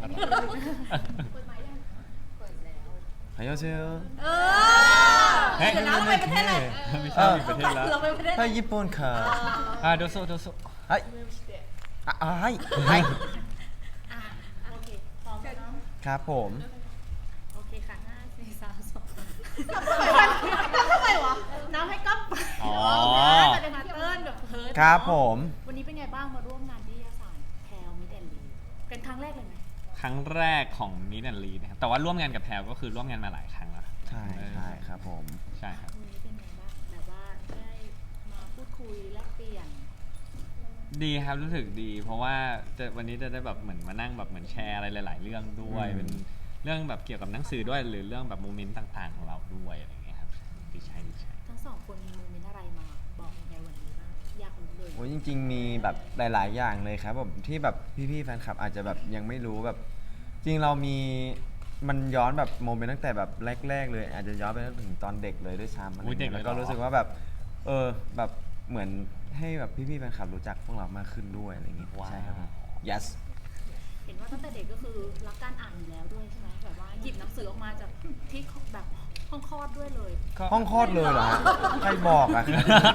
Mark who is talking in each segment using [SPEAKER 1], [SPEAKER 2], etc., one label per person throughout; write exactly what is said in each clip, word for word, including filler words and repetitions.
[SPEAKER 1] ร่อย
[SPEAKER 2] เปิดไหมยังเปิดแล้ว
[SPEAKER 3] ฮายโอเซล
[SPEAKER 2] เออ
[SPEAKER 1] เฮ้ย
[SPEAKER 2] เดี๋ยวนะเราไปประเทศอะไร
[SPEAKER 1] ไม่ใช่มีประเทศแล้ว
[SPEAKER 2] เราไปประเทศอะไร
[SPEAKER 3] ถ้าญี่ปุ่นค่ะ
[SPEAKER 1] อ่าโดโซโดโซ
[SPEAKER 3] เฮ้ยอ่ะอ่ะให้ให้
[SPEAKER 2] อ่ะโอเคพร้อมแล้วเนาะ
[SPEAKER 3] ครับผม
[SPEAKER 2] โอเคค่ะห้าสี่สามสองทำไมวะน้ำให้ก๊อฟ
[SPEAKER 1] อ๋อ
[SPEAKER 2] แต่เป็นมาเติ้ลแบบเพิร์ด
[SPEAKER 3] ครับผม
[SPEAKER 2] วันนี้เป็นไงบ้างมาร่วมงานนิตยสารแพลวมิดแอนลีเป็นครั้งแรกเลยไหม
[SPEAKER 1] ครั้งแรกของนิดแอนลีนะครับแต่ว่าร่วมงานกับแพลก็คือร่วมงานมาหลายครั้งแล้ว
[SPEAKER 3] ใช่ใช่ครับผม
[SPEAKER 1] ใช่ครับ
[SPEAKER 2] วันนี้เป็นไงบ้างแบบว่าได้มาพูดคุยแลกเปลี่ยน
[SPEAKER 1] ดีครับรู้สึกดี เพราะว่าจะวันนี้จะได้แบบเหมือนมานั่งแบบเหมือนแชร์อะไรหลาย ๆ เรื่องด้วย
[SPEAKER 3] อืม
[SPEAKER 1] เป็นเรื่องแบบเกี่ยวกับหนังสือด้วยหรือเรื่องแบบโมเมนต์ต่าง ๆ ของเราด้วยอะไรอย่างเงี้ยครับดีใจดีใจ
[SPEAKER 2] ทั้งสองคนมีโมเมนต์อะไรมาบอกในวันนี้บ้างอยากรู้เลย
[SPEAKER 3] โอ้ยจริง ๆ มีแบบหลาย ๆ อย่างเลยครับแบบที่แบบพี่ๆแฟนคลับอาจจะแบบยังไม่รู้แบบ จริงเรามีมันย้อนแบบโมเมนต์ตั้งแต่แบบแรก ๆ เลย อาจจะย้อนไปถึงตอนเด็กเลยด้วยซ้ำอะไร
[SPEAKER 1] อุ๊ยเด็
[SPEAKER 3] เงี้
[SPEAKER 1] ก
[SPEAKER 3] ย
[SPEAKER 1] เลย
[SPEAKER 3] แล้วก็
[SPEAKER 1] เหรอ
[SPEAKER 3] รู้สึกว่าแบบเออแบบเหมือนให้แบบพี่ๆแฟนคลับรู้จักพวกเรามากขึ้นด้วยอะไรอย่างงี้
[SPEAKER 1] ว้าว
[SPEAKER 3] ใช่ครับ yes
[SPEAKER 2] เห็นว่าตั้งแต่เด็กก็คือรักการอ่านอยู่แล้วด้วยใช่ไหมแบบว่าหยิบหนังสือออกมาจากที่แบบห้องคลอดด้วยเลย
[SPEAKER 3] ห้องคลอดเลยเหรอฮะใครบอกอะ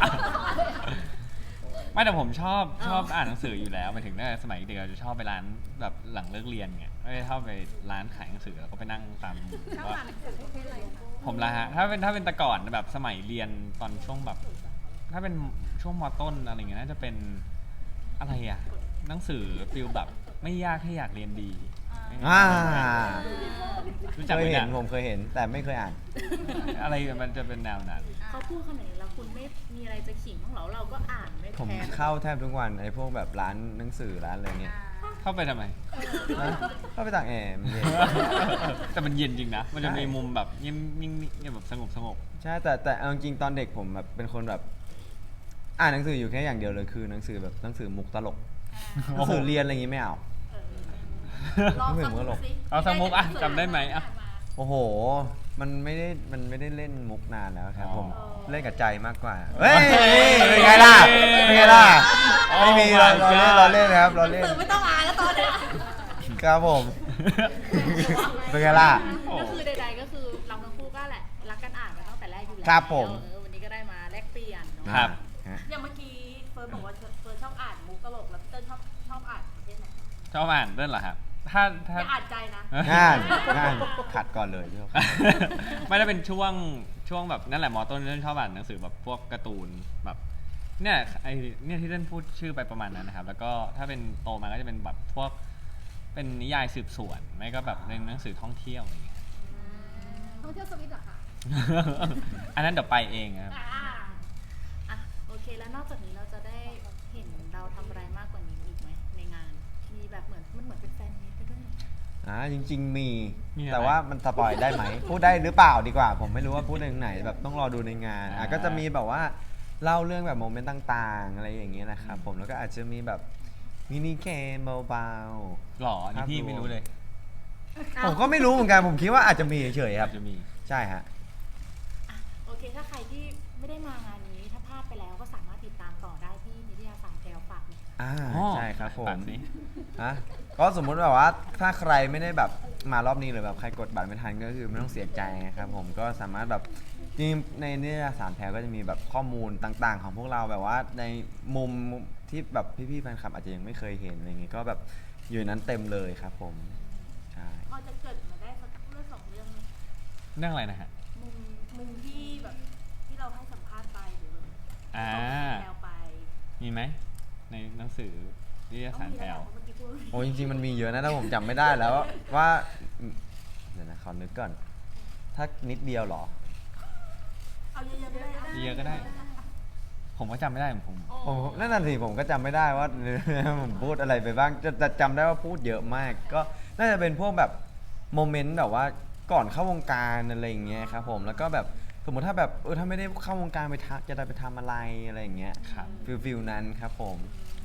[SPEAKER 1] ไม่แต่ผมชอบชอบอ่านหนังสืออยู่แล้วหมายถึงตั้งแต่สมัยเด็กเราจะชอบไปร้านแบบหลังเลิกเรียนไงไม่ได้ชอบไปร้านขายหนังสือแล้วก็ไปนั่งตามว่าผมละฮะถ้าเป็นถ้าเป็นแต่ก่อนแบบสมัยเรียนตอนช่วงแบบ ถ้าเป็นช่วงมต้นอะไรเงี้ยน่าจะเป็นอะไรอะหนังสือฟิลแบบไม่ยากให้อยากเรียนดี
[SPEAKER 3] อ่า
[SPEAKER 1] รู้จัก
[SPEAKER 3] เค
[SPEAKER 1] ไหม
[SPEAKER 3] ยเห็น
[SPEAKER 1] เนี่ย
[SPEAKER 3] ผมเคยเห็นแต่ไม่เคยอ่าน
[SPEAKER 1] อะไรมันจะเป็นแนวนั้น
[SPEAKER 2] เขาพูดขนาดนี้แล้วคุณไม่มีอะไรจะขิงบ้างเหรอเราก็อ่านไม่
[SPEAKER 3] ผม
[SPEAKER 2] แพ้
[SPEAKER 3] เข้าแทบทุกวันไอ้พวกแบบร้านหนังสือร้านอะไรเงี้ย
[SPEAKER 1] เข้าไปทำไม
[SPEAKER 3] ฮะเข้าไปตากแอร์มันเย็น
[SPEAKER 1] แต่มันเย็นจริงนะ มันจะ
[SPEAKER 3] ใช่
[SPEAKER 1] มีมุมแบบเงียบนิ่งๆเงียบแบบสงบสงบ
[SPEAKER 3] ใช่แต่แต่เอาจริงๆตอนเด็กผมแบบเป็นคนแบบ อ่านหนังสืออยู่แค่อย่างเดียวเลยคือหนังสือแบบหนังสือมุกตลกหนังสือเรียนอะไรอย่างงี้ไม่เอา
[SPEAKER 2] ลอง
[SPEAKER 3] ไม่เหมื
[SPEAKER 2] สั
[SPEAKER 3] อก นมุกตลก
[SPEAKER 2] สิ
[SPEAKER 1] เอาสกมุกอะจำได้ไหมอะ
[SPEAKER 3] โอ้โห มันไม่ได้มันไม่ได้เล่นมุกนานแล้วครับ
[SPEAKER 1] อ๋อ
[SPEAKER 3] ผมเล่นกับใจมากกว่าเฮ้ยเป็นไงล่ะเป็นไงล่ะ
[SPEAKER 1] Oh
[SPEAKER 3] ไม่มีเรา
[SPEAKER 1] my
[SPEAKER 3] เราเล่น
[SPEAKER 1] God
[SPEAKER 3] เราเล่นนะครับเรา
[SPEAKER 2] หนั
[SPEAKER 3] เล่
[SPEAKER 2] ง
[SPEAKER 3] น
[SPEAKER 2] สือไม่ต้องอ่านแล้วตอนเนี้ย
[SPEAKER 3] ครับผม เป็นไงล่ะ
[SPEAKER 2] ก็คือใดๆก็คือเราทั้งคู่ก็แหละรักกันอ่านมาตั้งแต่แรกอยู่แล้ว
[SPEAKER 3] ครับผม
[SPEAKER 2] เออวันนี้ก็ได้มาแลกเปลี่ยนเนอะ
[SPEAKER 1] ครับ
[SPEAKER 3] ฮะ
[SPEAKER 2] อย่างเมื่อกี้เฟิร์นบอกว่าเฟิร์นชอบอ่านมุกตลกแล้วพี่เติ้ลชอบชอบอ่านประเภทไหน
[SPEAKER 1] ชอบอ่านด้วยเหรอครับ ถ้าถ้า
[SPEAKER 2] อย่าอ่านใจนะ
[SPEAKER 3] งานงานขัดก่อนเลยพี่
[SPEAKER 1] ไม่ได้เป็นช่วงช่วงแบบนั่นแหละมอต้นเล่นชอบอ่านหนังสือแบบพวกการ์ตูนแบบเนี่ยไอเนี่ยที่เล่นพูดชื่อไปประมาณนั้นนะครับ แล้วก็ถ้าเป็นโตมาก็จะเป็นแบบพวกเป็นนิยายสืบสวนไม่ก็แบบเป็นหนังสือท่องเที่ยวอะไรอย่างเงี้ย
[SPEAKER 2] ท่องเที่ยวสวิตเหรอคะ
[SPEAKER 1] อันนั้นเดี๋ยวไปเองครับ
[SPEAKER 2] อ่าอ่ะโอเคแล้วนอกจากนี้เราจะได้เห็นเราทำอะไรมากกว่านี้อีกไหมในงาน มีแบบเหมือนมันเหมือนเป็นแฟนมีตไปด้วย
[SPEAKER 3] อ่าจริง ๆ มี
[SPEAKER 1] มีอะไร
[SPEAKER 3] แต่ว่ามันสปอยได้ไหม พูดได้หรือเปล่าดีกว่า ผมไม่รู้ว่าพูดในไหนแบบต้องรอดูในงานอ่ะ
[SPEAKER 1] อ่า
[SPEAKER 3] ก็จะมีแบบว่าเล่าเรื่องแบบโมเมนต์ต่างๆ อะไรอย่างเงี้ยนะครับผมแล้วก็อาจจะมีแบบมินิเกมเบา
[SPEAKER 1] หรอนี่พี่ไม่รู้เลย
[SPEAKER 3] ๆผมก็ไม่รู้เหมือนกันผมคิดว่าอาจจะมีเฉยๆครับ
[SPEAKER 1] จะมี
[SPEAKER 3] ใช่ฮะ
[SPEAKER 2] อ่ะโอเคถ้าใครที่ไม่ได้มางานนี้ถ้าพลาดไปแล้วก็สามารถติดตามต่อได้ที่นิตยสารแพลวฝากหน่อย
[SPEAKER 3] อ่า
[SPEAKER 1] อ๋อ
[SPEAKER 3] ใช่ครับผม
[SPEAKER 1] แบบนี้
[SPEAKER 3] ฮะก็สมมุติแบบว่าถ้าใครไม่ได้แบบมารอบนี้หรือแบบใครกดบัตรไม่ทันก็คือไม่ต้องเสียใจนะครับผมก็สามารถแบบจริงๆในนิตยสารแพลก็จะมีแบบข้อมูลต่างๆ ของพวกเราแบบว่าในมุมที่แบบพี่ๆแฟนคลับอาจจะยังไม่เคยเห็นอะไรอย่างงี้ก็แบบอยู่ในนั้นเต็มเลยครับผมใช่
[SPEAKER 2] พอจะเกิดมาได้สักเรื่องสองเรื่องไหม
[SPEAKER 1] เรื่องอะไรนะฮะ
[SPEAKER 2] มุมมุมที่แบบที่เราให้สัมภาษณ์ไปหรือแบบ
[SPEAKER 1] อ่า
[SPEAKER 2] แพลวไป
[SPEAKER 1] มีไหมในหนังสือนิตย
[SPEAKER 2] ต้อง
[SPEAKER 1] สาร
[SPEAKER 2] มี
[SPEAKER 1] แพล
[SPEAKER 2] แล้ว
[SPEAKER 1] ว
[SPEAKER 2] เมื่อกี้พูด
[SPEAKER 3] โอ้จริงๆมันมีเยอะนะแต่ผมจำไม่ได้แล้วว่าเดี๋ยวนะขอนึกก่อน ถ้านิดเดียวเหรอ
[SPEAKER 2] เอาเยอะๆก็ได้
[SPEAKER 1] เยอะๆก็ได้ ผมก็จำไม่ได้ผม
[SPEAKER 3] ผมนั่นน่ะสิผมก็จำไม่ได้ว่า ผมพูดอะไรไปบ้างจะจะจำได้ว่าพูดเยอะมาก ก็น่าจะเป็นพวกแบบโมเมนต์แบบว่าก่อนเข้าวงการอะไรอย่างเงี้ยครับผมแล้วก็แบบสมมติถ้าแบบเออถ้าไม่ได้เข้าวงการไปทำจะได้ไปทำอะไรอะไรอย่างเงี้ย
[SPEAKER 1] ครับ
[SPEAKER 3] ฟิลฟิลนั้นครับผม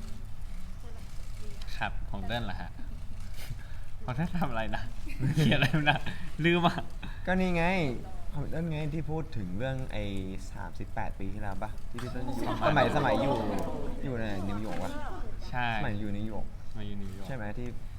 [SPEAKER 1] ครับของเต้นเหรอฮะของเต้นทำอะไรนะ เขียนอะไรนะลืมอ่ะ
[SPEAKER 3] ก็นี่ไงของนั่นไงที่พูดถึงเรื่องไอ้สามสิบแปดปีที่แล้วปะที่พี่ต้นอยู่สมัยสมัยอยู่อยู่ในนิวยอร์กวะ
[SPEAKER 1] ใช่
[SPEAKER 3] สมัยอยู่นิวยอร์ก
[SPEAKER 1] มาอยู่นิวยอร์ก
[SPEAKER 3] ใช่ไหมที่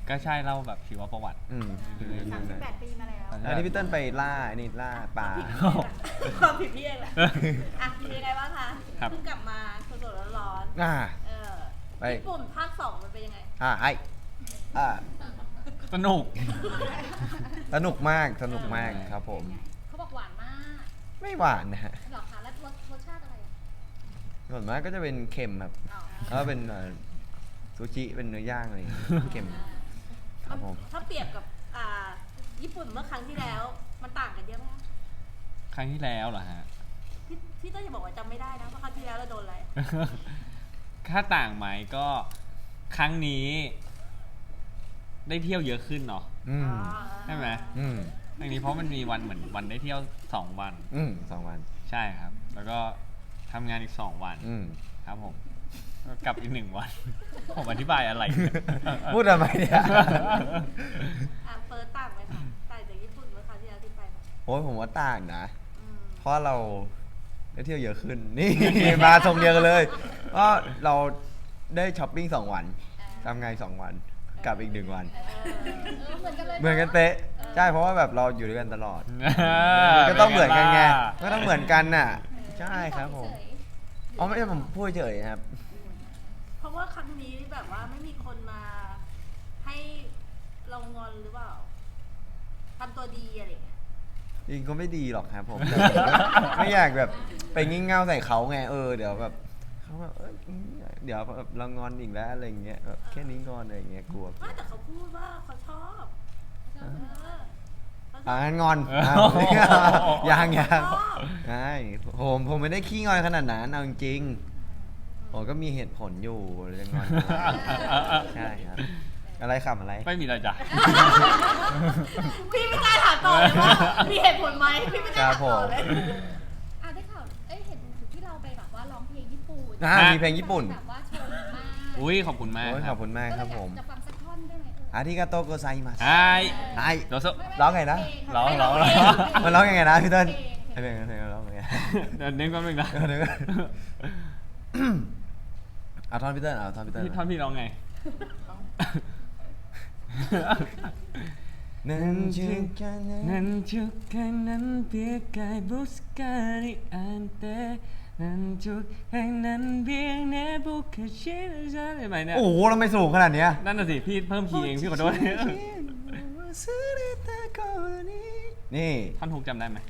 [SPEAKER 1] ก็ใช่เล่าแบบชีวประวัติ
[SPEAKER 3] อืม
[SPEAKER 4] สามสิบแปดปีมาแล้ว
[SPEAKER 3] อันนี้พี่เติ้ลไปล่าไอ้นี่ล่าปลา
[SPEAKER 4] ความผิดพี่เองแหละอ่ะเป็นยังไงบ้างคะ
[SPEAKER 1] ครับ
[SPEAKER 4] เพิ่งกลับมาสดๆร้อน
[SPEAKER 3] อ่า
[SPEAKER 4] ๆเออ
[SPEAKER 3] ไป
[SPEAKER 4] ญี่ปุ่นภาคสองมันเป็นยังไง
[SPEAKER 3] อ่าไออ่า
[SPEAKER 1] สนุก
[SPEAKER 3] สนุกมากสนุกมากครับผม
[SPEAKER 4] เขาบอกหวานมาก
[SPEAKER 3] ไม่หวานนะฮะ
[SPEAKER 4] หรอคะแล้วรสรสชาติอะไรอ่ะ
[SPEAKER 3] ส่วนมากก็จะเป็นเค็มครับ
[SPEAKER 4] อ๋อ
[SPEAKER 3] แล้วก็เป็นเอ่อซูชิเป็นเนื้อย่างอะไรอย่างเงี้ยเค็มครับผม
[SPEAKER 4] ถ้าเปรียบกับอ่าญี่ปุ่นเมื่อครั้งที่แล้ว มันต่างกันเยอะไหมคะ
[SPEAKER 1] ครั้งที่แล้วเหรอฮะ
[SPEAKER 4] พี่พี่เต้ยจะบอกว่าจำไม่ได้นะว่าครั้งที่แล้วเราโดนอะไร
[SPEAKER 1] ค่าต่างไหมก็ครั้งนี้ ได้เที่ยวเยอะขึ้นเนาะ
[SPEAKER 3] อืม
[SPEAKER 1] ใช่ไหม
[SPEAKER 3] อืม
[SPEAKER 1] ครั้งนี้เพราะมันมีวันเหมือนวันได้เที่ยวสองวัน
[SPEAKER 3] อืมสองวัน
[SPEAKER 1] ใช่ครับ แล้วก็ทำงานอีกสองวัน
[SPEAKER 3] อืม
[SPEAKER 1] ครับผมก็กลับอีกหนึ่งวัน ผมอธิบายอะไรเนี่ย
[SPEAKER 3] พูดทำไมเนี่ย
[SPEAKER 4] อ่ะเฟิร์สต่างไหมคะต่างจากญี่ปุ่นเมื่อครั้งที่แล้วที่ไปไหม
[SPEAKER 3] โอ้ยผมว่าต่างนะ
[SPEAKER 4] อืม
[SPEAKER 3] เพราะเราได้เที่ยวเยอะขึ้น นี่ มาทรงเดียวกันเลยก็เราได้ช้อปปิ้งสองวันทำงานสองวันกลับอีกหนึ่งวัน
[SPEAKER 4] เออเหมือนกันเลย
[SPEAKER 3] เหมือนกันเตะใช่เพราะว่าแบบเราอยู่ด้วยกันตลอด
[SPEAKER 1] มั
[SPEAKER 3] มันก็ต้องเหมือนกันไงก็ต้องเหมือนกันน่ะ ใช่ครับผม
[SPEAKER 4] เฉย
[SPEAKER 3] อ๋อไม่ใช่ผมพูดเฉยนะครับ
[SPEAKER 4] เพราะว่าครั้งนี้แบบว่าไม่มีคนมาให้เรางอนหรือเปล่าทำตัวดีอะไรอย่างเงี้ย
[SPEAKER 3] จริงก็ไม่ดีหรอกครับผมแต่ผมก็ไม่อยากแบบไปงี่เง่าใส่เขาไงเออเดี๋ยวแบบเขาแบบเอ้ยเดี๋ยวแบบเรางอนอีกแล้วอะไรอย่างเงี้ยแบบแค่นี้งอนอะไรอย่างเงี้ยกลัว
[SPEAKER 4] ไม่แต่เขาพูดว่าเขาชอบเออเขาช
[SPEAKER 3] อ่า
[SPEAKER 4] อบ
[SPEAKER 3] งั้นงอน
[SPEAKER 1] เออ
[SPEAKER 3] อ่ะยังยัง
[SPEAKER 4] ชอบ
[SPEAKER 3] ใช่ผมผมไม่ได้ขี้งอนขนาดนั้นเอาจริงๆผมก็มีเหตุผลอยู่เลยจะงอนใช่ครับอะไรขำอะไร
[SPEAKER 1] ไม่มีอะไรจ้ะ
[SPEAKER 4] พี่ไม่กล้าถามต่อเลยว่ามีเหตุผลไหมพี่ไม่กล้าถามต่อเลย
[SPEAKER 5] อ่ะได้ข่าว เอ้ยเห็นที่เราไปแบบว่าร้องเพลงญี่ปุ่น
[SPEAKER 3] อ่ามีเพลงญี่ปุ่น
[SPEAKER 5] แบบว่าชมมาก
[SPEAKER 1] อุ้ยขอบคุณมาก
[SPEAKER 3] โอ้ย
[SPEAKER 1] ค
[SPEAKER 3] ข
[SPEAKER 1] รั
[SPEAKER 3] อ
[SPEAKER 1] บบ
[SPEAKER 3] คุณมากครับผม
[SPEAKER 5] ก็เลยอยากจะฟังสักท่อนได้ไหมเออ
[SPEAKER 3] อาริกาโตโกไซมัส
[SPEAKER 1] ไอ้
[SPEAKER 3] ไอ้
[SPEAKER 1] โดโซ
[SPEAKER 3] ร้องไงนะ
[SPEAKER 1] ร้อง
[SPEAKER 5] ไม่
[SPEAKER 1] ร้อง
[SPEAKER 5] เพล
[SPEAKER 3] มันร้องยังไงนะพี่เติ้ล
[SPEAKER 5] เพลง
[SPEAKER 3] ให้เพลงเพลงร้องยังไง
[SPEAKER 1] เดี๋ยวนึกแป๊บนึงนะ
[SPEAKER 3] เดี๋ยวก่อนเอาท่อนพี่เติ้ลเอาท่อนพี่เติ้ล
[SPEAKER 1] พี่ท่อนพี่ร้องไง
[SPEAKER 3] นั่น
[SPEAKER 1] Nanjuk Hangnan Biang Nebuka Shira ได้ไหมเนี่ย
[SPEAKER 3] โอ้โหเราไม่สูงขนาดเนี้ย
[SPEAKER 1] นั่นน่ะสิ พี่เพิ่มคีย์เอง พี่ขอโทษ
[SPEAKER 3] นี่
[SPEAKER 1] ท่อนฮุกจำได้ไหม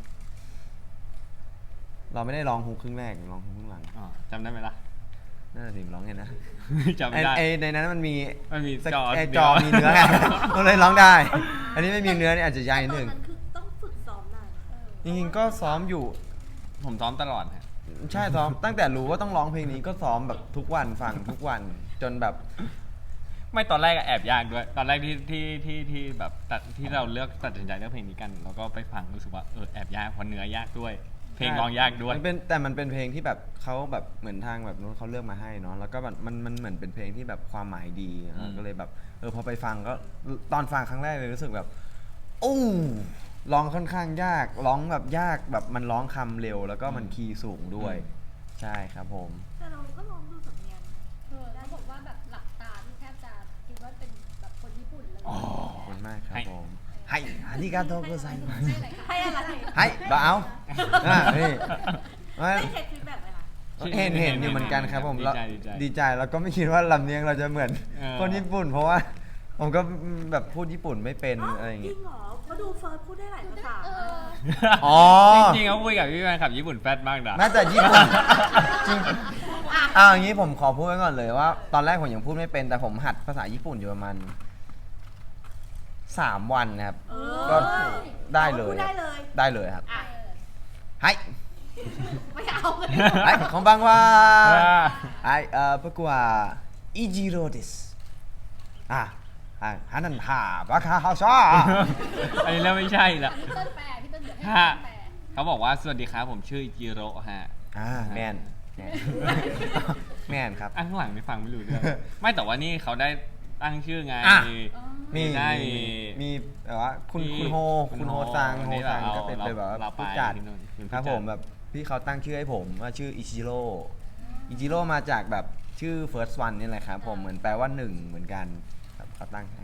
[SPEAKER 3] เราไม่ได้ร้องฮุกครึ่งแรกร้องฮุกครึ่งหลัง
[SPEAKER 1] อ๋อจำได้ไหมล่ะ
[SPEAKER 3] นั่นแหละสิร้องไงนะ
[SPEAKER 1] จำ
[SPEAKER 3] ไอ้
[SPEAKER 1] ไม่ได้
[SPEAKER 3] ไอ้ในนั้นมันมี
[SPEAKER 1] มันมี
[SPEAKER 3] สก
[SPEAKER 1] จอ
[SPEAKER 3] ไอ้
[SPEAKER 1] เดี
[SPEAKER 3] จ
[SPEAKER 1] ยว
[SPEAKER 3] อมีเนื้อไง ก็เลยร้องได้ อันนี้ไม่มีเนื้อนี่อาจจะยากนิด
[SPEAKER 4] ตอ
[SPEAKER 3] นึ
[SPEAKER 4] น
[SPEAKER 3] ง
[SPEAKER 4] นั้นคือต้องฝึกซ้อมนานนะคะ
[SPEAKER 3] จริงๆก็ซ้อมอยู่
[SPEAKER 1] ผมซ้อมตลอดฮะ
[SPEAKER 3] ใช่ซ้อม ตั้งแต่รู้ว่าต้องร้องเพลงนี้ก็ซ้อมแบบทุกวันฟังทุกวันจนแบบ
[SPEAKER 1] ไม่ตอนแรกอะแอบยากด้วย ตอนแรกที่ที่ที่ที่แบบตัดที่เราเลือกตัดสินใจเลือกเพลงนี้กัน แล้วก็ไปฟังรู้สึกว่าเออแอบยากเพราะเนื้อยากด้วย เพลงร้องยากด้วย
[SPEAKER 3] มันเป็นแต่มันเป็นเพลงที่แบบเขาแบบเหมือนทางแบบนู้นเขาเลือกมาให้เนาะแล้วก็แบบมันมันเหมือนเป็นเพลงที่แบบความหมายดี
[SPEAKER 1] อืม
[SPEAKER 3] ก็เลยแบบเออพอไปฟังก็ตอนฟังครั้งแรกเลยรู้สึกแบบโอ้ร้องค่อนข้างยากร้องแบบยากแบบมันร้องคำเร็ว แล้วก็มันคีย์สูงด้วย ใช่ครับผม
[SPEAKER 4] แต่เราก็ลองดูสำเนียงนะ
[SPEAKER 5] เออแล้วบอกว่าแบบหลับตาที่แทบจะคิดว่าเป็นแบบคนญี่ปุ่นเลย
[SPEAKER 3] ขอบคุณมากครับผมให้อาริกาโตโกไซมัส
[SPEAKER 5] ให้อะไรคะ
[SPEAKER 4] ให้อะไร
[SPEAKER 3] ให้บ่เอาอ่ะนี่มา
[SPEAKER 4] ได้เช็คฟีดแบ็กไหมคะ
[SPEAKER 3] เห็นเห็นอยู่เหมือนกันครับผม
[SPEAKER 1] ดี
[SPEAKER 3] แล้ว
[SPEAKER 1] ใจดีใจ
[SPEAKER 3] ดีใจแล้วก็ไม่คิดว่าลำเนียงเราจะเหมือน
[SPEAKER 1] เออ
[SPEAKER 3] คนญี่ปุ่น เพราะว่าผมก็แบบพูดญี่ปุ่นไม่เป็นอะไรอย่าง
[SPEAKER 4] จริ
[SPEAKER 3] งี้
[SPEAKER 4] งเหรอเขาดูเฟิร์สพูดได้หลายภาษา
[SPEAKER 5] เออ
[SPEAKER 3] อ๋อ
[SPEAKER 1] จริงๆเขาคุยกับพี่แฟนคลับญี่ปุ่นแฟดมากนะ
[SPEAKER 3] แม้แต่ญี่ปุ่นจริงเอาอย่างนี้ผมขอพูดไว้ก่อนเลยว่า ตอนแรกผมยังพูดไม่เป็นแต่ผมหัดภาษาญี่ปุ่นอยู่ประมาณสามวันนะครับ
[SPEAKER 4] เออ
[SPEAKER 3] ก็ได้เลย
[SPEAKER 4] พูดได้เลย
[SPEAKER 3] ได้เลยครับ
[SPEAKER 4] อ่ะ
[SPEAKER 3] ให้
[SPEAKER 4] ไม่เอาเลย
[SPEAKER 3] ให้ของบังว่า
[SPEAKER 1] ว่า
[SPEAKER 3] ไอเอ่อ僕はイジローですอ่ะอ่ะฮันนันฮาบาคาฮาซา
[SPEAKER 1] อันนี้เริ่มไม่ใช่ละ
[SPEAKER 5] พี่เติ้ลแปลพี่เติ้ลเดี๋ยวให้
[SPEAKER 1] ฮะ
[SPEAKER 5] พี่เติ้ลแปล
[SPEAKER 1] เขาบอกว่าสวัสดีครับผมชื่ออิจิโร่ฮะ
[SPEAKER 3] อ่าแมนแมนแมนครับ
[SPEAKER 1] อ่ะข้างหลังไม่ฟังไม่รู้เรื่อง ไม่แต่ว่านี่เขาได้ตั้งชื่อไง
[SPEAKER 3] อ่ะ
[SPEAKER 5] อ๋อ
[SPEAKER 3] มี
[SPEAKER 1] ได้
[SPEAKER 3] มีมีแบบว่าคุณ
[SPEAKER 1] มี
[SPEAKER 3] คุณโฮ
[SPEAKER 1] คุ
[SPEAKER 3] คุณ
[SPEAKER 1] ณ
[SPEAKER 3] โฮ
[SPEAKER 1] โฮ
[SPEAKER 3] ซังโฮ
[SPEAKER 1] นี่
[SPEAKER 3] ซัง
[SPEAKER 1] เรา
[SPEAKER 3] ก็เป็น
[SPEAKER 1] เรา
[SPEAKER 3] เป็นแบบว่า
[SPEAKER 1] เราไป
[SPEAKER 3] ผู้จัด
[SPEAKER 1] ที่นู่นเป็นผู้
[SPEAKER 3] ครับ
[SPEAKER 1] จัด
[SPEAKER 3] ผมแบบพี่เขาตั้งชื่อให้ผมว่าชื่ออิจิโร่อิจิโร่มาจากแบบชื่อ first one นี่แหละครับผมเหมือนแปลว่าหนึ่งเหมือนกันครับเขาตั้งให้
[SPEAKER 4] ช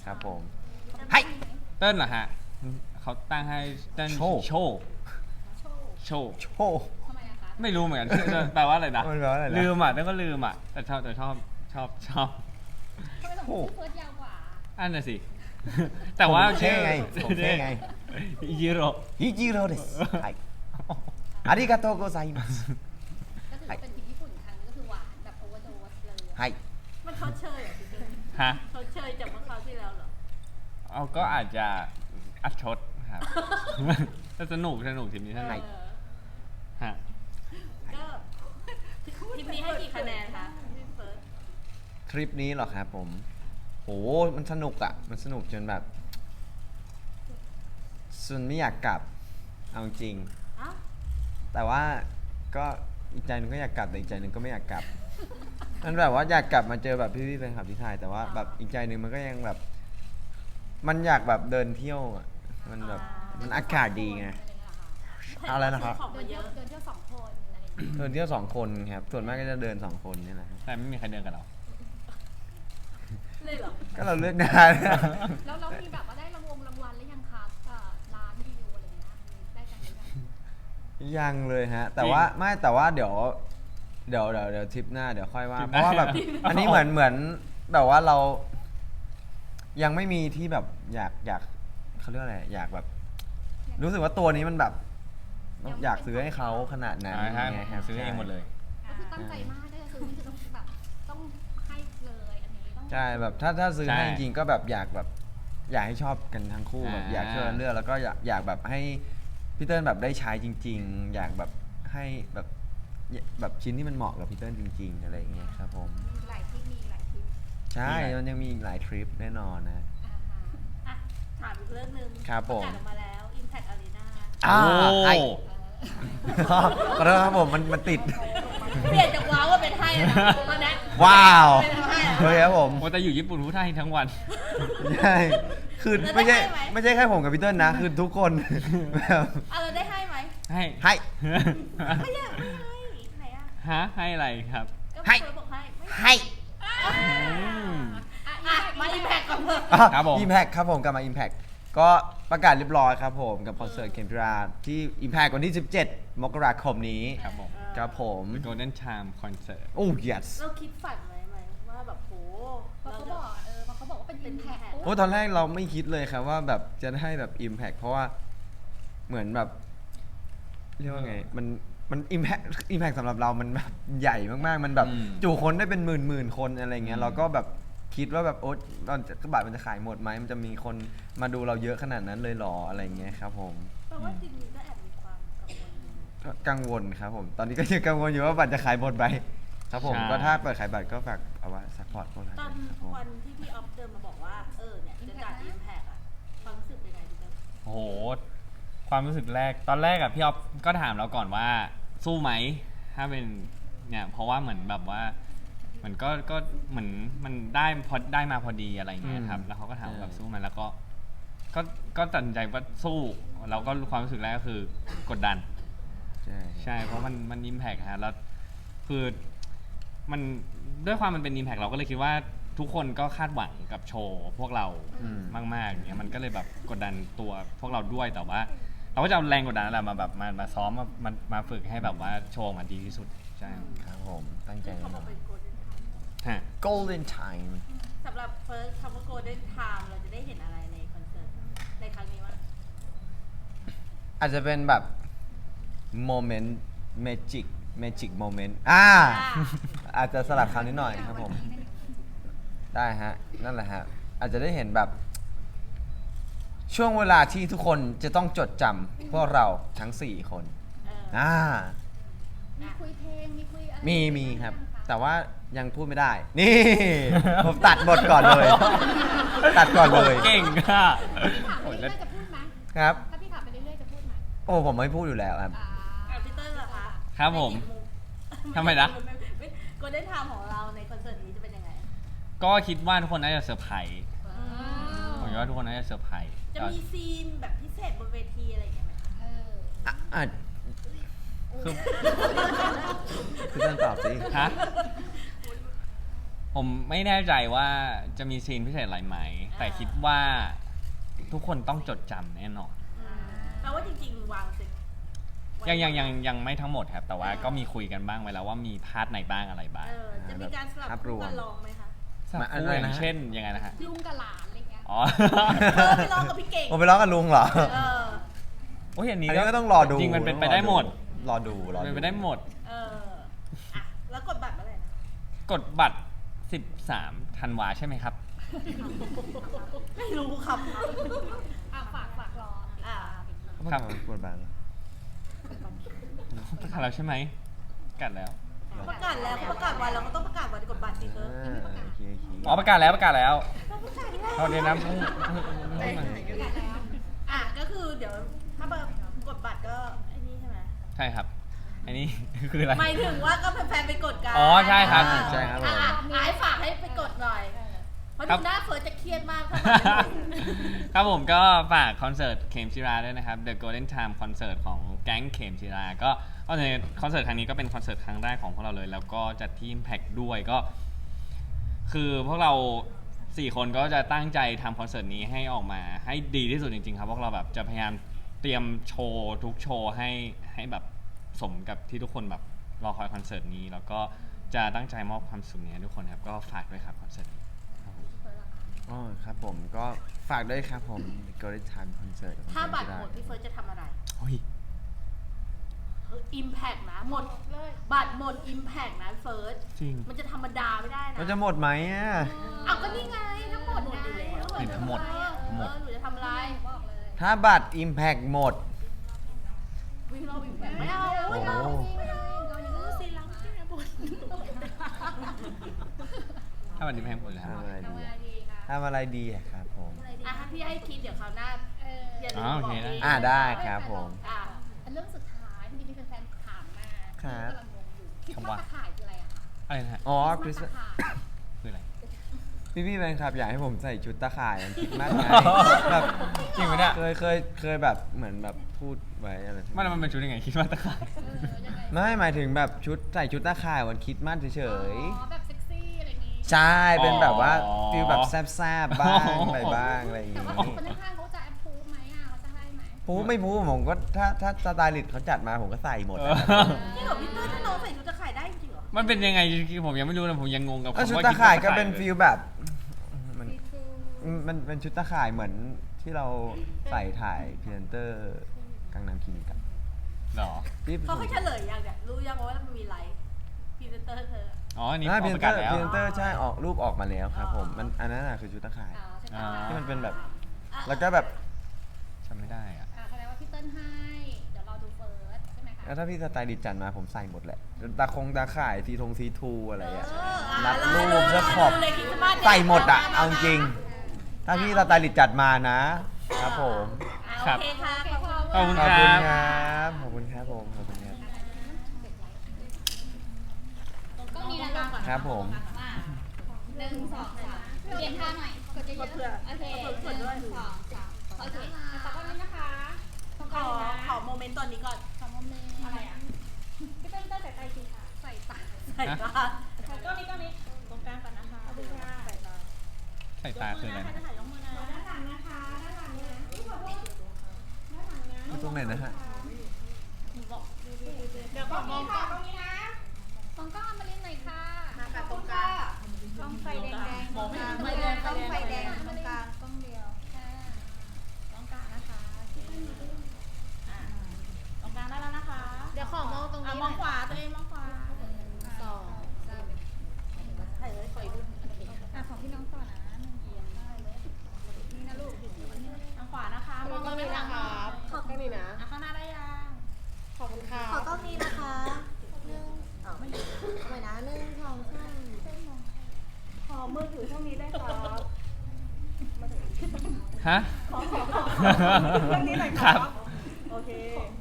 [SPEAKER 3] ครับผมให้
[SPEAKER 1] เติ้ลเหรอฮะเขาตั้งให้เติ้ล
[SPEAKER 3] โชว์
[SPEAKER 1] โชว์
[SPEAKER 5] โชว์
[SPEAKER 1] โชว์
[SPEAKER 3] โชว์
[SPEAKER 5] ทำไมอะคะ
[SPEAKER 1] ไม่รู้เหมือนกัน แปลว่าอะไรนะ
[SPEAKER 3] มันแปลว่าอะไรนะ
[SPEAKER 1] ลืมอ่ะแล้วก็ลืมอ่ะแต่ชอบแต่ชอบชอบชอบ
[SPEAKER 5] ทำไมต้องชื่อเฟิร์สยาวกว่า
[SPEAKER 1] อันน่ะสิ แต่ว่า
[SPEAKER 3] ผมเท่ไงผมเท่ไง
[SPEAKER 1] ยูโร
[SPEAKER 3] ฮิจิโร่ですはいありがとうございます
[SPEAKER 5] ก็ถือว่าเป็นทริปญี่ปุ่นครั้งนี้ก็คือหวานแบบโอเวอร์โดสเลย
[SPEAKER 3] はい
[SPEAKER 4] มันชดเชยเหรอพี่เต้ย
[SPEAKER 1] ฮะ
[SPEAKER 4] ชดเชยจากเมื่อคราวที่แล้วเหรอ
[SPEAKER 1] เอาก็อาจจะอัดชดครับ แต่สนุกสนุกทีมนี้สนุก
[SPEAKER 4] เออ
[SPEAKER 1] ฮะ
[SPEAKER 4] ก็ทีมนี้ให้กี่คะแนนคะพี่เฟิร์ส
[SPEAKER 3] ทริปนี้เหรอครับผมโหมันสนุกอ่ะ มันสนุกจนแบบส่วนไม่อยากกลับ เอาจริง
[SPEAKER 4] อ้าว
[SPEAKER 3] แต่ว่าก็อีกใจหนึงก็อยากกลับแต่อีกใจหนึงก็ไม่อยากกลับ มันแบบว่าอยากกลับมาเจอแบบพี่ๆแฟนคลับที่ไทยแต่ว่าแบบอีกใจหนึงมันก็ยังแบบ มันอยากแบบเดินเที่ยวอะมันแบบมันอากาศดีไง อะไรนะครับ
[SPEAKER 4] ของ
[SPEAKER 5] เดิ
[SPEAKER 4] มาน เย
[SPEAKER 5] เที่ยว
[SPEAKER 4] อะ
[SPEAKER 5] เดินเที่ยวสองคนอะไรอย่างเงี้ย
[SPEAKER 3] เดินเที่ยวสองคนครับส่วนมากก็จะเดินสองคนนี่แหละครับ
[SPEAKER 1] แต่ไม่มีใครเดินกับเรา
[SPEAKER 4] เลยเหรอ
[SPEAKER 3] ก็เราเลือกได้
[SPEAKER 5] แล้วเรามีแบบว่าได้รางวงรางวัลหรือยังครับกับร้านรีวิวอะไรเงี้ยได้กันหรือยัง
[SPEAKER 3] ยังเลยฮะ แต่ว่าไม่แต่ว่าเดี๋ยวเดี๋ยวเดี๋ยวเดี๋ยวทริปหน้าเดี๋ยวค่อยว่า
[SPEAKER 1] ทริป
[SPEAKER 3] เพ
[SPEAKER 1] หน้า
[SPEAKER 3] ราะว่าแบบอันนี้เหมือนเหมือนแบบว่าเรา ยังไม่มีที่แบบอยากอยากเขาเรียกอะไรอยากแบบ รู้สึกว่าตัวนี้มันแบบ อยากซื้อให้เขาขนาดนั้น
[SPEAKER 1] ใช่ครับ
[SPEAKER 3] ไง
[SPEAKER 1] หาซื้อเองหมดเลย
[SPEAKER 5] ก็คือตั้งใจมากถ้าจะซื้อนี่คือต้องแบบต้องให้เลยอันนี้ต้อง
[SPEAKER 3] ใช่แบบถ้าถ้าซื้อ
[SPEAKER 1] ใช่
[SPEAKER 3] ให้จริงๆก็แบบอยากแบบ อยากให้ชอบกันทั้งคู่แบบ
[SPEAKER 1] อ่า
[SPEAKER 3] อยากช่วยกันเลือกแล้วก็อยากอยากแบบให้พี่เติ้ลแบบได้ใช้จริง ๆ อยากแบบให้แบบแบบชิ้นที่มันเหมาะกับพี่เติ้ลจริง ๆ อะไรอย่างเงี้ยครับผม
[SPEAKER 5] มีหลายทริปมีหลายทริป
[SPEAKER 3] ใช่ มันยังมีอีกหลายทริปแน่นอนนะ
[SPEAKER 5] อ่าฮะ
[SPEAKER 4] อ่ะถามอีกเรื่องหนึ่ง
[SPEAKER 3] ครับผม
[SPEAKER 4] ประกาศออกมาแล้ว Impact Arena
[SPEAKER 3] อ่า
[SPEAKER 1] โอ้
[SPEAKER 3] ไอ้
[SPEAKER 5] เออ
[SPEAKER 3] ขอโทษครับผมมันมันติด
[SPEAKER 4] เปลี่ยนจากว้าวมาเป็นให้แล้วนะตอนนี้
[SPEAKER 3] ว้าว
[SPEAKER 4] เป็นให้แล้ว
[SPEAKER 3] เฮ้ยครับผม
[SPEAKER 1] โอ้แต่อยู่ญี่ปุ่นพูดไทยทั้งวัน
[SPEAKER 3] ใช่คือ
[SPEAKER 4] แล้ว
[SPEAKER 3] ไม่ใช่
[SPEAKER 4] ได้ไหม
[SPEAKER 3] ไม่ใช่แค่ผมกับพี่เติ้ลนะ คือทุกคนแบบ
[SPEAKER 4] เอาเราได้ให้ไหม
[SPEAKER 1] ให้
[SPEAKER 3] ให้
[SPEAKER 4] ไม่อยากไม่ให้ไหนอ่ะ
[SPEAKER 1] ฮะให้อะไรครับ
[SPEAKER 4] ก็
[SPEAKER 3] ให้
[SPEAKER 4] เฟิร์สบอกให้ไม่
[SPEAKER 3] ให้
[SPEAKER 1] อืม
[SPEAKER 5] อ่ะ
[SPEAKER 4] อ่ะมา Impact ก่อนเถอะ
[SPEAKER 1] ครับผม
[SPEAKER 3] อิมแพคครับผมกลับมา Impact ก็ประกาศเรียบร้อยครับผมกับคอนเสิร์ตเคนทราที่ Impact วันที่ สิบเจ็ด มกราคมนี้
[SPEAKER 1] ครับผม
[SPEAKER 3] ครับผม
[SPEAKER 1] The Golden Charm Concert
[SPEAKER 3] โอ้ yes
[SPEAKER 4] เราคิดฝันไว้ไหมว่าแบบโห
[SPEAKER 5] เพราะเขาบอกเออเพราะเขาบอกว่าเป็น
[SPEAKER 4] เป็น
[SPEAKER 5] impact
[SPEAKER 4] impact
[SPEAKER 3] โอ้ตอนแรกเราไม่คิดเลยครับว่าแบบจะได้แบบ Impact เพราะว่าเหมือนแบบ เรียกว่าไง มันมัน Impact Impact สำหรับเรามันแบบใหญ่มากๆ มันแบบ
[SPEAKER 1] อืม
[SPEAKER 3] จุคนได้เป็นหมื่นหมื่นๆคนอะไรเงี้ย
[SPEAKER 1] อืม
[SPEAKER 3] เราก็แบบคิดว่าแบบโอ๊ตตอนจะบัตรมันจะขายหมดไหมมันจะมีคนมาดูเราเยอะขนาดนั้นเลยเหรออะไรเงี้ยครับผม
[SPEAKER 4] แปลว่าจริงๆก็แอบมีความกังวลอยู่
[SPEAKER 3] ก็กังวลครับผม ตอนนี้ก็ยังกังวลอยู่ว่าบัตรจะขายหมดไหมครับผม
[SPEAKER 1] ใช่
[SPEAKER 3] ก็ถ้าเปิดขายบัตรก็ฝากเอาไว้ซัพพอร์ตพวกเรา
[SPEAKER 4] ตอน
[SPEAKER 3] ครับผม
[SPEAKER 4] วันที่พี่ออฟเดินมาบอกว่า เออเนี่ยจะจัด Impact อ่ะความรู้สึกเป็นไงพี่เต้ย
[SPEAKER 1] โอ้โห ความรู้สึกแรก ตอนแรกอะพี่ออฟก็ถามเราก่อนว่าสู้ไหม ถ้าเป็นเนี่ยเพราะว่าเหมือนแบบว่าเหมือนก็ก็เหมือนมันได้พอได้มาพอดีอะไรอย่างเงี้ยครับ
[SPEAKER 3] อืม
[SPEAKER 1] แล้วเขาก็ถามว่าแบบ
[SPEAKER 3] ใช่
[SPEAKER 1] สู้ไหมแล้วก็ ก็ก็ตัดสินใจว่าสู้เราก็ความรู้สึกแรกก็คือกดดัน
[SPEAKER 3] ใช่
[SPEAKER 1] ใช่ เพราะมันมันอิมแพกฮะแล้วคือมันด้วยความมันเป็นอิมแพกเราก็เลยคิดว่าทุกคนก็คาดหวังกับโชว์พวกเรา
[SPEAKER 3] อืม
[SPEAKER 1] มากๆอย่างเงี้ยมันก็เลยแบบกดดันตัวพวกเราด้วยแต่ว่า เราก็จะเอาแรงกดดันนั่นแหละมาแบบมามาซ้อมมามามาฝึกให้แบบว่าโชว์มันดีที่สุดใช่
[SPEAKER 3] ครับผมตั้งใจ
[SPEAKER 4] เขา
[SPEAKER 3] แน่
[SPEAKER 4] บ
[SPEAKER 3] น
[SPEAKER 4] อก
[SPEAKER 3] อน
[SPEAKER 4] เป็น Golden Time
[SPEAKER 1] ฮะ
[SPEAKER 3] Golden Time
[SPEAKER 4] สำหรับเฟิร์สคำว่า Golden Time เราจะได้เห็นอะไรในคอนเสิร์ตในครั้งนี้วะ
[SPEAKER 3] อาจจะเป็นแบบโมเมนต์เมจิกเมจิกโมเมนต์อ่า อาจจะสลับคำนิดหน่อยครับผม ได้ฮะ นั่นแหละฮะ อาจจะได้เห็นแบบ ช่วงเวลาที่ทุกคนจะต้องจดจำพวกเราทั้ง สี่ คน
[SPEAKER 4] เออ
[SPEAKER 3] อ่า
[SPEAKER 5] มีคุยเพลงมีคุยอะไร
[SPEAKER 3] มีมีครับ แต่ว่ายังพูดไม่ได้ นี่ ผมตัดบทก่อนเลย ตัดก่อนเลย
[SPEAKER 1] เก่งค่ะ
[SPEAKER 5] พี่ถามไป
[SPEAKER 1] โอ้ย
[SPEAKER 5] เรื่
[SPEAKER 1] แล้ว
[SPEAKER 5] อยๆจะพูดไหม
[SPEAKER 3] ครับ
[SPEAKER 5] ถ้าพี่ถามไปเรื่อยๆจะพูดไหม
[SPEAKER 3] โอ้ผมไม่พูดอยู่แล้วครับ
[SPEAKER 5] อ่า
[SPEAKER 4] อ่ะพี่เต้ยเหรอคะ
[SPEAKER 1] ครับผม ทำไมนะ
[SPEAKER 4] โกลเด้นไทม์ของเราในคอนเสิร์ตนี้จะเป็นยังไง
[SPEAKER 1] ก็คิดว่าทุกคนน่าจะเซอร์ไพรส์
[SPEAKER 5] ว้าว
[SPEAKER 1] ผมคิดว่าทุกคนน่าจะเซอร์ไพรส์
[SPEAKER 4] จะมีซีนแบบพิเศษบนเวทีอะไรอย่างเงี้ยไหมคะ
[SPEAKER 5] เออ
[SPEAKER 3] อ่ะอ่ะ
[SPEAKER 1] คือ
[SPEAKER 3] พี่เต้นตอบสิ
[SPEAKER 1] ฮะผมไม่แน่ใจว่าจะมีซีนพิเศษอะไรไหม แต่คิดว่าทุกคนต้องจดจำแน่นอน
[SPEAKER 4] แปลว่าจริงๆวางเสร็จ
[SPEAKER 1] ยังยังยังยังไม่ทั้งหมดครับ แต่ว่าก็มีคุยกันบ้างไว้แล้วว่ามีพาร์ทไหนบ้างอะไรบ้าง
[SPEAKER 4] เออจะมีการสลับคู่กันลองไหมคะ
[SPEAKER 1] สัก
[SPEAKER 3] มาอัน
[SPEAKER 1] คู่
[SPEAKER 3] ไหน
[SPEAKER 1] อย่า
[SPEAKER 3] นะ
[SPEAKER 1] งเช่นยังไงนะฮะ
[SPEAKER 5] ลุงกับหลานอะไรเงี้ย
[SPEAKER 1] อ๋อ
[SPEAKER 4] เธอไปลองกับพี่เก่ง
[SPEAKER 3] ผมไปร้องกับลุงเหรอ
[SPEAKER 4] เออ
[SPEAKER 1] โอ้ยอันนี้
[SPEAKER 3] อันนี้ก็ต้องรอดู
[SPEAKER 1] จริงมันเป็นไปได้หมด
[SPEAKER 3] รอดูรอดู
[SPEAKER 1] เป็นไปได้หมด
[SPEAKER 4] เอออ่ะแล้วกดบัตรเมื่อไหร่นะ
[SPEAKER 1] กดบัตรสิบสามธันวาใช่ไหมครับ
[SPEAKER 4] ไม่รู้ครับ
[SPEAKER 5] อ่ะฝากฝากรอติดตามอีกที
[SPEAKER 1] ครับ
[SPEAKER 3] กดบัตรเหรอ
[SPEAKER 1] ประกาศแล้วใช่ไหมประกาศแล้ว
[SPEAKER 4] ประกาศแล้วเขาประกาศวันเราก็ต้องประกาศวันกดบัตรสิเธอ
[SPEAKER 3] อ่าโอเคโอเค
[SPEAKER 1] อ๋อประกาศแล้วประกาศแล้ว
[SPEAKER 4] เราประกาศแล้ว
[SPEAKER 1] เอาเดี๋ยวนะเพิ่งเพิ่งเพิ่งมา
[SPEAKER 5] ประกาศแล้ว
[SPEAKER 4] อ่ะก็คือเดี๋ยวถ้ากดบัตรก็ไอ้นี่ใช่ไหม
[SPEAKER 1] ใช่ครับ อันนี้ คืออะไร
[SPEAKER 4] หมายถึงว่าก็แฟนๆไปกดกัน
[SPEAKER 1] อ๋อใช่ครับ
[SPEAKER 4] อ่า
[SPEAKER 3] ใช่ครับผม
[SPEAKER 4] อ่ะอ่ะให้ฝากให้ไปกดหน่อย เพราะ
[SPEAKER 1] ครั
[SPEAKER 4] ดู
[SPEAKER 1] บ
[SPEAKER 4] หน้าเฟิร์สจะเครียดมากถ้า
[SPEAKER 1] ครับผมก็ฝากคอนเสิร์ตเขมชิราด้วยนะครับ The Golden Time คอนเสิร์ตของแก๊งเขมชิราก็ก็ในคอนเสิร์ตครั้งนี้ก็เป็นคอนเสิร์ตครั้งแรกของพวกเราเลย แล้วก็จัดที่ Impact ด้วยก็ คือพวกเราสี่คนก็จะตั้งใจทำคอนเสิร์ตนี้ให้ออกมาให้ดีที่สุดจริงๆครับพวกเราแบบจะพยายามเตรียมโชว์ทุกโชว์ให้ให้แบบสมกับที่ทุกคนแบบรอคอยคอนเสิร์ตนี้ แล้วก็จะตั้งใจมอบความสุขนี้ให้ทุกคนครับก็ฝากด้วยครับคอนเสิร์ตนี้ครับผม
[SPEAKER 3] อ๋อครับผมก็ฝากด้วยครับผม The Golden Time Concert ของ
[SPEAKER 4] ถ้าบัตร
[SPEAKER 3] เจมส์
[SPEAKER 4] หมดพี่เฟิร์สจะทำอะไร
[SPEAKER 1] เฮ้ย
[SPEAKER 4] อิมแพกนะหมดบัตรหมดอิมแพกนะเฟิร์ส
[SPEAKER 1] จริง
[SPEAKER 4] มันจะธรรมดาไม่ได้นะ
[SPEAKER 3] มันจะหมดไหมอ่ะ
[SPEAKER 4] เอาก็นี่ไงทั้งหมดไง
[SPEAKER 1] เห็นทั้งหมด
[SPEAKER 4] เออ
[SPEAKER 1] หมด
[SPEAKER 4] หนูจะทำอะไร
[SPEAKER 5] บอกเลย
[SPEAKER 3] ถ้าบัตร Impact หมด
[SPEAKER 4] วิ่งรอบอิมแพกไม่เอา
[SPEAKER 3] โอ้
[SPEAKER 4] ไม่
[SPEAKER 3] โห
[SPEAKER 4] เอา
[SPEAKER 5] ไม่ได้เรายัง
[SPEAKER 4] เออซีรัมที่นะบน
[SPEAKER 1] ถ้าวันนี้แพงหมดแล้ว
[SPEAKER 3] ทำอะไร
[SPEAKER 5] ทำ
[SPEAKER 3] ดี
[SPEAKER 5] งา
[SPEAKER 3] อะ
[SPEAKER 5] นดีค่ะ
[SPEAKER 3] ทำอะไรดีอะครับผม
[SPEAKER 4] อ่ะถ้าพี่ให้คิดเดี๋ยวคราวหน้า
[SPEAKER 5] เออ
[SPEAKER 4] อย่าลื
[SPEAKER 1] อ๋
[SPEAKER 4] ม
[SPEAKER 1] อโอ
[SPEAKER 4] บอก
[SPEAKER 1] เค
[SPEAKER 4] พี่
[SPEAKER 1] ได้
[SPEAKER 3] อ่าได้ครับผม
[SPEAKER 4] อ่ะ
[SPEAKER 5] อันเรื่องสุดท้ายที่มีแฟนๆถามมา
[SPEAKER 3] ครับ
[SPEAKER 5] ที่กำลังงงอยู่คิดว่าตะข่ายคืออะไรอะคะ
[SPEAKER 1] อะไรนะฮะ
[SPEAKER 3] อ๋อค
[SPEAKER 5] คิ
[SPEAKER 3] ริ
[SPEAKER 5] ด
[SPEAKER 3] ส
[SPEAKER 5] ว่าตะข่าย
[SPEAKER 1] คืออะไร
[SPEAKER 3] พี่พี่ๆแฟนคลับอยากให้ผมใส่ชุดตะข่ายมันคิดมากไงแบบ
[SPEAKER 1] จริงไหมเนี่ย
[SPEAKER 3] เคยเคยเคยแบบเหมือนแบบพูดไว้อะไร
[SPEAKER 1] มันมันเป็นชุดยังไงคิดว่าตะข่าย
[SPEAKER 5] เออยังไง
[SPEAKER 3] ไม่หมายถึงแบบชุดใส่ชุดตะข่ายวันคริดมากเฉย
[SPEAKER 5] อ๋อแบบเซ็กซี่อะไรอย่างงี้
[SPEAKER 3] ๆใช่เป็นแบบว่า
[SPEAKER 1] อ๋อ
[SPEAKER 3] ฟิลแบบแซบๆบ้างอะไรบ้างอะไรอย่าง
[SPEAKER 5] แต่
[SPEAKER 3] งี้
[SPEAKER 5] ว่าคนข้างๆเขาจะแอปพูฟไหมอ่ะเขาจะให้ไหม
[SPEAKER 3] พูไม่พูผมก็ถ้าถ้าสไตลิสต์เขาจัดมาผมก็ใส่หมด
[SPEAKER 1] เอ
[SPEAKER 3] นะ
[SPEAKER 1] อ
[SPEAKER 3] ครับ
[SPEAKER 4] จริงเหรอพี่เต้ยถ้าน้องใส่ชุดจะขายได้จริงเหรอ
[SPEAKER 1] มันเป็นยังไงจริงๆผมยังไม่รู้นะผมยังงงกับ
[SPEAKER 3] แล้ว
[SPEAKER 1] คำ
[SPEAKER 3] ชุด
[SPEAKER 1] ว่า
[SPEAKER 3] ตะข่ายก็
[SPEAKER 1] คิดว่
[SPEAKER 3] เป็น
[SPEAKER 1] ตะข่
[SPEAKER 3] ฟิลแบบมัน
[SPEAKER 5] ซีทรู
[SPEAKER 3] มันเป็นชุดตะข่ายเหมือนที่เราใส่ถ่ายพรีเซนเตอร์กังนำคลินิกกัน
[SPEAKER 1] หรอ
[SPEAKER 3] ที่
[SPEAKER 4] เขาให้เฉลยยังเนี่ยรู้ยังว่ามันมีไลฟ์พรีเซนเตอร์เธอ
[SPEAKER 1] อ๋ออันนี้
[SPEAKER 3] อ่า
[SPEAKER 1] อ
[SPEAKER 3] พรี
[SPEAKER 1] อก
[SPEAKER 3] เซ
[SPEAKER 1] ป
[SPEAKER 3] น
[SPEAKER 1] ระ
[SPEAKER 3] เต
[SPEAKER 1] กา
[SPEAKER 3] อ
[SPEAKER 1] ศ แล้ว
[SPEAKER 3] ร์พรีเซนเตอร์ใช่ออกรูปออกมาแล้วครับผมมันอันนั้นน่ะคือชุดตะข่าย
[SPEAKER 5] อ๋อใช่ไหม
[SPEAKER 1] อ่า
[SPEAKER 3] ที่มันเป็นแบบ
[SPEAKER 4] อ่ะ
[SPEAKER 3] แล้วก็แบบ
[SPEAKER 1] จำไม่ได้อะ
[SPEAKER 5] อ่าแสดงว่าพี่เติ้ลให้ เดี๋ยวรอดูเฟิร์สใช่ไหมคะ
[SPEAKER 3] แล้วถ้าพี่สไตลิสต์จัดมาผมใส่หมดแหละตาคงตาข่ายซีทงซีทูอะไรอ่ะ
[SPEAKER 4] เอออ่ะ
[SPEAKER 3] รัด
[SPEAKER 4] รอ
[SPEAKER 3] รูป
[SPEAKER 4] ดู
[SPEAKER 3] แล้วขอบ
[SPEAKER 4] ดูเลยคริสต์มาสเนี่ย
[SPEAKER 3] ใส่หมดอ่ะเอาจริง ถ้าพี่สไตลิสต์จัดมานะครับผม
[SPEAKER 4] อ่ะโอเคค่ะขอบคุณ
[SPEAKER 1] ขอบคุณ
[SPEAKER 3] ขอบ
[SPEAKER 1] ค
[SPEAKER 3] คุ
[SPEAKER 1] รั
[SPEAKER 3] ณ
[SPEAKER 1] บ
[SPEAKER 3] ครับขอบคุณครับผมขอบคุณครับ
[SPEAKER 5] ก็มีแล้วก่อน
[SPEAKER 3] ครับผม
[SPEAKER 5] หนึ่งสองสามเปลี่ยนท่าหน่อยกดเยอะๆ
[SPEAKER 4] เผื่อ
[SPEAKER 5] โอเค
[SPEAKER 4] เผื่อด้วย
[SPEAKER 5] หนึ่งสองสามโอเคขอบคุณนะคะ
[SPEAKER 4] ขอขอโมเมนต์ตอนนี้ก่อน
[SPEAKER 5] ขอบคุณอะไรอ่ะพี่เติ้ลเติ้ลใส่ใจสิค่ะใส่ตา
[SPEAKER 4] ใส่ตา
[SPEAKER 5] ก็นี้ก็นี้ตรงกลางก่อนนะคะขอบคุณค่ะใส่ตา
[SPEAKER 1] ใส่ตาคืออะไรนะ
[SPEAKER 4] ถ่ายยกมือนะ
[SPEAKER 5] ด้านหลังนะคะด้านหลังนะขอโทษด้านหลังนะ
[SPEAKER 3] อยู่ตรงไหนนะฮะ
[SPEAKER 4] เดี๋ยวขอมองกล้อง
[SPEAKER 5] ตรงนี้นะตรงกล้องมาเล่นหน่อยค่ะ
[SPEAKER 4] มาค่ะตรงกลาง
[SPEAKER 5] ต้องไฟแดงๆ
[SPEAKER 4] มองไม่เห็น
[SPEAKER 5] ไฟแดงต้องไฟแดงตรงกลางกล้องเดียวค่ะตรงกลางนะคะ
[SPEAKER 4] อ่ะตรงกลางได้แล้วนะคะ
[SPEAKER 2] เดี๋ยวขอมองตรง
[SPEAKER 4] อ่ะ
[SPEAKER 2] นี้
[SPEAKER 4] มองขวาตัวเองมองขวา
[SPEAKER 2] สองสาม
[SPEAKER 4] ถ่ายเลยถ่ายรูป
[SPEAKER 5] อ่ะของพี่น้องต่อนะหนึ่งเอียงได้เลยนี่นะลูก
[SPEAKER 4] ทางขวานะคะมองตรงนี้นะคะขอบตรงนี้นะข้างหน้าได้ยังขอบคุณค่ะ
[SPEAKER 2] ขอกล้องนี้นะคะหนึ่งเอาไม่เอาไปนะหนึ่งสองสาม
[SPEAKER 4] ขอมือถือช่องนี้ได้ครับ
[SPEAKER 1] ฮะ
[SPEAKER 4] ขอขอขอเรื่องนี้หน่อย
[SPEAKER 1] ค
[SPEAKER 4] ค
[SPEAKER 1] รั
[SPEAKER 4] รับ บโอเค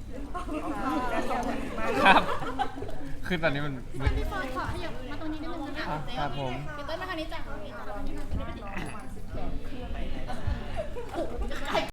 [SPEAKER 1] ครับ คือตอนนี้มันมืด
[SPEAKER 5] พี่ฟอร์ดขอขยับมาตรงนี้นิดนึงนะ
[SPEAKER 3] ครับผม
[SPEAKER 5] พี่เต้นมาทางนี้จ้ะตรงนี้จ้ะตรงนี้มาตรงนี้